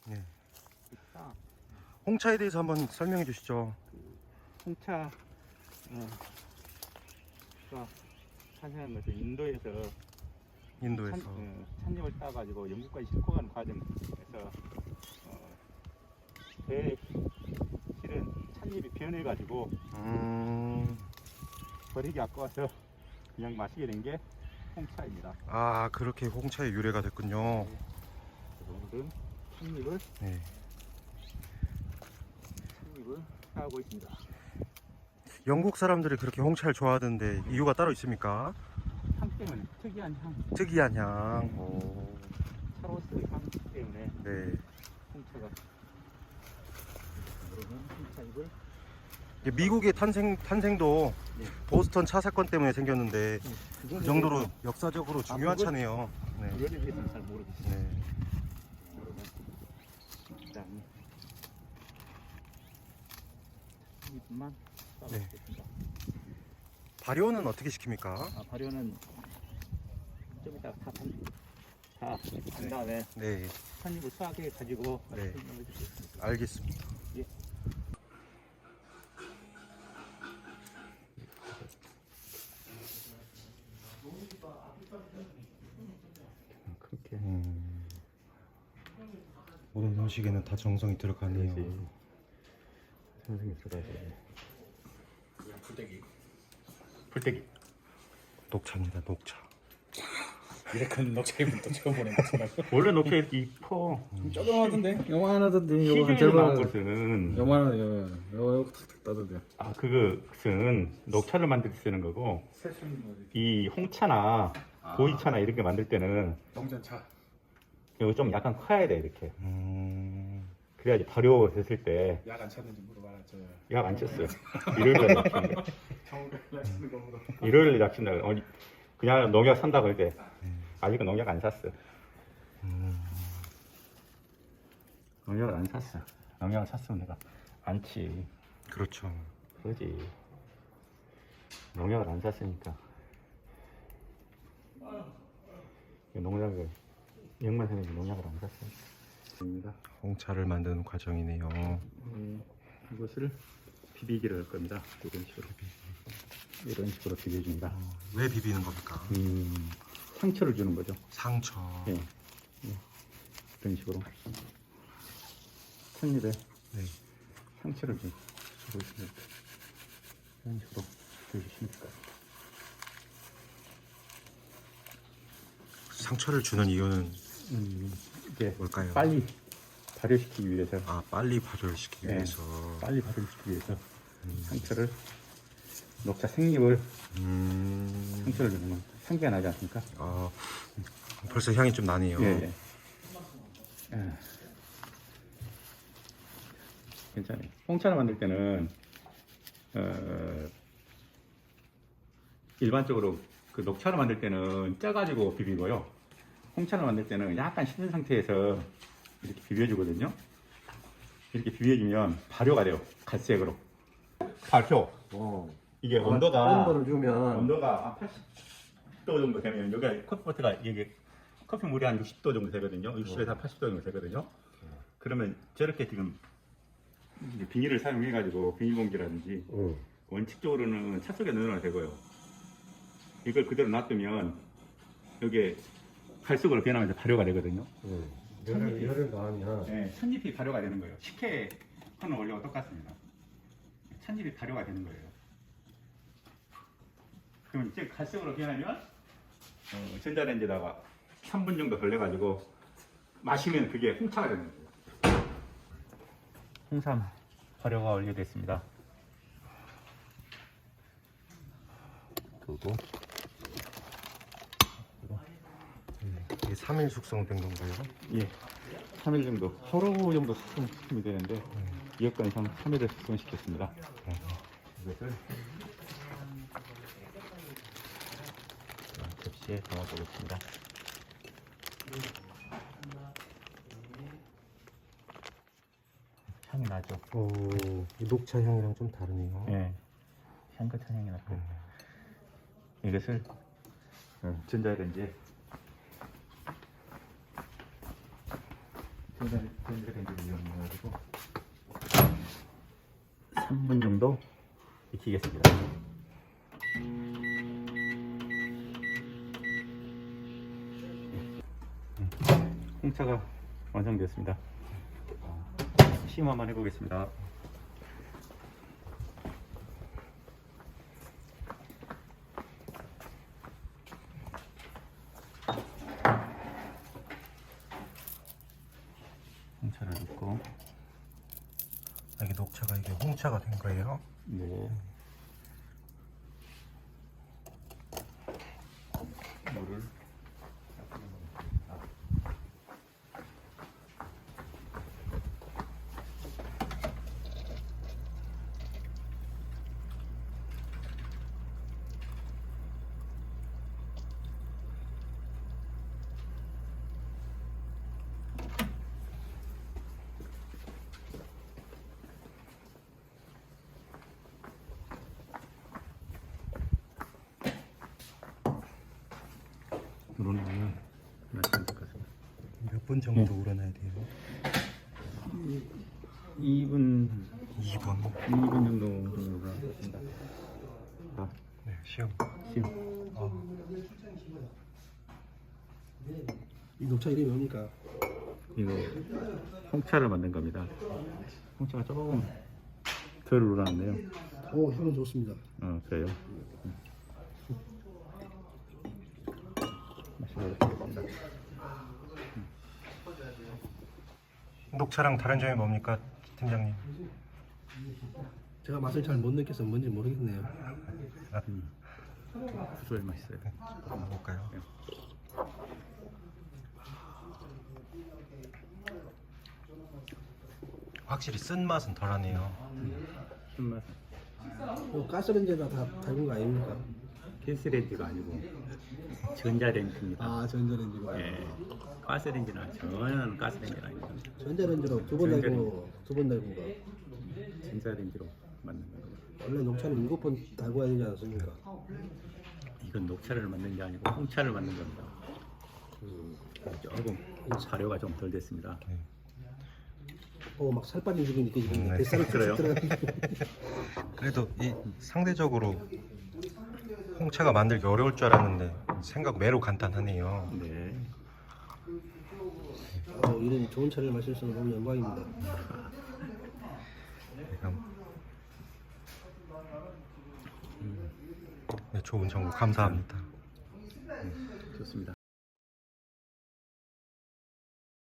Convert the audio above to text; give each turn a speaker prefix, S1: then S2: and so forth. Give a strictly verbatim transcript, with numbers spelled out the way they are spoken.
S1: 네.
S2: 있다.
S1: 홍차에 대해서 한번 설명해 주시죠.
S2: 홍차, 어, 가 자세한 것은 인도에서
S1: 인도에서.
S2: 찬, 어, 찻잎을 따가지고 영국까지 싣고 가는 과정에서 어, 배에 실은 찻잎이 변해가지고
S1: 음.
S2: 버리기 아까워서 그냥 마시게 된 게 홍차입니다.
S1: 아, 그렇게 홍차의 유래가 됐군요.
S2: 오늘은 찻잎을
S1: 네.
S2: 찻잎을 따고 있습니다.
S1: 영국 사람들이 그렇게 홍차를 좋아하던데 이유가 따로 있습니까?
S2: 향 때문에 특이한 향,
S1: 특이한 향. 오.
S2: 차로스의 향 때문에
S1: 네.
S2: 홍차가 그러면 홍차잎을
S1: 이게 미국의 탄생 탄생도
S2: 네.
S1: 보스턴 차 사건 때문에 생겼는데 그 정도로
S2: 대해서,
S1: 역사적으로 중요한
S2: 그걸-
S1: 차네요. 네.
S2: 그거에 대해서는 잘 모르겠어요.
S1: 네.
S2: 그러면 일단 잎만
S1: 네.
S2: 따보겠습니다.
S1: 발효는 어떻게 시킵니까?
S2: 아, 발효는 좀 이따 다 다 한 다음에
S1: 네.
S2: 찻잎을 수확해 가지고
S1: 네.
S2: 설명해 주겠습니다.
S1: 알겠습니다.
S2: 예. 그렇게
S1: 음. 모든 음식에는 다 정성이 들어가네요.
S2: 선생님 들어가야지. 풀떼기. 풀떼기.
S1: 녹차입니다. 녹차.
S3: 이래 큰 녹차잎은 또 처음 보는 것처럼.
S2: 원래 녹차 이렇게 이뻐.
S3: 조그마하던데? 요만하던데? 요거 한
S2: 시중에 나온
S3: 절반.
S2: 것은
S3: 요만한 요 요거 요거 탁탁 따던데.
S2: 아 그것은 녹차를 만들 때 쓰는 거고 이 홍차나 보이차나 이렇게 만들 때는
S3: 동전차.
S2: 이거 좀 약간 커야 돼 이렇게.
S1: 음.
S2: 그래야지 발효했을 때
S3: 약 안 찼는지 물어봐라. 저
S2: 약 안 쳤어요. 일요일날 약친다.
S3: 정글 약 찼는 거 물어.
S2: 일요일날 약친다. 어, 그냥 농약 산다 그럴 때 아직은 농약 안 샀어.
S1: 음.
S2: 농약을 안 샀어. 농약을 샀으면 내가 안 치.
S1: 그렇죠.
S2: 그러지. 농약을 안 샀으니까. 농약을 영만 선생님 농약을 안 샀습니다.
S1: 홍차를 만드는 과정이네요.
S2: 음, 이것을 비비기를 할 겁니다. 이런 식으로 이런 식으로 비벼줍니다.
S1: 왜 비비는 겁니까?
S2: 음, 상처를 주는 거죠.
S1: 상처.
S2: 예, 예. 이런 식으로 찻잎에
S1: 네.
S2: 상처를 주- 주고 있습니다. 이런 식으로 주시면 될까요?
S1: 상처를 주는 이유는
S2: 음, 이게
S1: 뭘까요?
S2: 빨리 발효시키기 위해서,
S1: 아, 빨리 발효를 시키기
S2: 네.
S1: 위해서.
S2: 빨리 발효시키기 위해서 상처를 녹차 생잎을
S1: 음.
S2: 상처를 주면 향기가 나지 않습니까?
S1: 아, 벌써 향이 좀 나네요.
S2: 예, 예. 예. 괜찮아요. 홍차를 만들 때는 어, 일반적으로 그 녹차를 만들 때는 쪄가지고 비비고요. 홍차를 만들 때는 약간 식은 상태에서 이렇게 비벼주거든요. 이렇게 비벼주면 발효가 돼요. 갈색으로. 발효.
S4: 어.
S2: 이게
S4: 뜨거운
S2: 온도가
S4: 거를 주면
S2: 온도가 한 팔십 도 정도 되면 여기 커피포트가 이게 커피 물이 한 육십 도 정도 되거든요. 육십에서 한 팔십 도 정도 되거든요. 그러면 저렇게 지금 이제 비닐을 사용해 가지고 비닐봉지라든지
S4: 응.
S2: 원칙적으로는 차 속에 넣어놔도 되고요. 이걸 그대로 놔두면 여기에 갈색으로 변하면서 발효가 되거든요.
S4: 응. 열을, 열을 가하면
S2: 네, 찻잎이 발효가 되는 거예요. 식혜 하는 원리와 똑같습니다. 찻잎이 발효가 되는 거예요. 그럼 이제 갈색으로 변하면 어, 전자레인지다가 삼 분 정도 걸려가지고 마시면 그게 홍차가 되는 거예요. 홍삼 발효가 완료됐습니다. 그리고
S1: 이게 삼 일 숙성된 건가요?
S2: 예, 삼 일 정도, 하루 정도 숙성시키면 되는데 이여건 이상 삼 일을 숙성시켰습니다. 이것을 접시에 담아보겠습니다. 향이 나죠?
S1: 오, 이 녹차 향이랑 좀 다르네요.
S2: 예, 향긋한 향이 나고 이것을 전자레인지에 전자레인지를 이용해가지고 삼 분 정도 익히겠습니다. 홍차가 완성되었습니다. 시음 한번 해보겠습니다. 홍차를 넣고,
S1: 이게 녹차가 이게 홍차가 된 거예요.
S2: 네. 물을 우러나면 마시면 될 것 같습니다.
S1: 몇 분 정도 우러나야 돼요?
S2: 이 분,
S1: 이 분.
S2: 이 분 정도 우러나겠습니다. 자,
S1: 네, 시험.
S2: 시음.
S1: 어,
S4: 이 녹차 이름이 뭡니까?
S2: 이거 홍차를 만든 겁니다. 홍차가 조금 덜 우러났네요.
S4: 오, 향은 좋습니다.
S2: 어, 그래요. 마셔보겠습니다.
S1: 녹차랑 다른 점이 뭡니까, 팀장님?
S4: 제가 맛을 잘 못 느껴서 뭔지 모르겠네요.
S2: 구수해 맛있어요.
S1: 한번 볼까요? 확실히 쓴 맛은 덜하네요.
S2: 쓴맛.
S4: 이거 가스레인지에다 다 달군 거 아닙니까?
S2: 가스레인지가 아니고 전자레인지입니다.
S4: 아, 전자레인지가.
S2: 예, 가스레인지는 전혀 가스레인지는 아닙니다.
S4: 전자레인지로 두 번 달고 두 번 달군 거.
S2: 전자레인지로 만든 겁니다.
S4: 원래 녹차는 일곱 번 달고 해야 되지 않습니까?
S2: 이건 녹차를 만든 게 아니고 홍차를 만든 겁니다. 조금 사료가 좀 덜 됐습니다.
S4: 오, 막 살 빠진 기분이 느껴지는데
S1: 네.
S4: 뱃살이
S2: 그래요?
S4: 쭉 들어가는
S1: 그래도 이 상대적으로 홍차가 만들기 어려울 줄 알았는데 생각 매로 간단하네요.
S2: 네.
S4: 어, 이런 좋은 차를 마실 수 있는 너무 영광입니다.
S1: 지금 네, 좋은 정보 감사합니다.
S2: 좋습니다.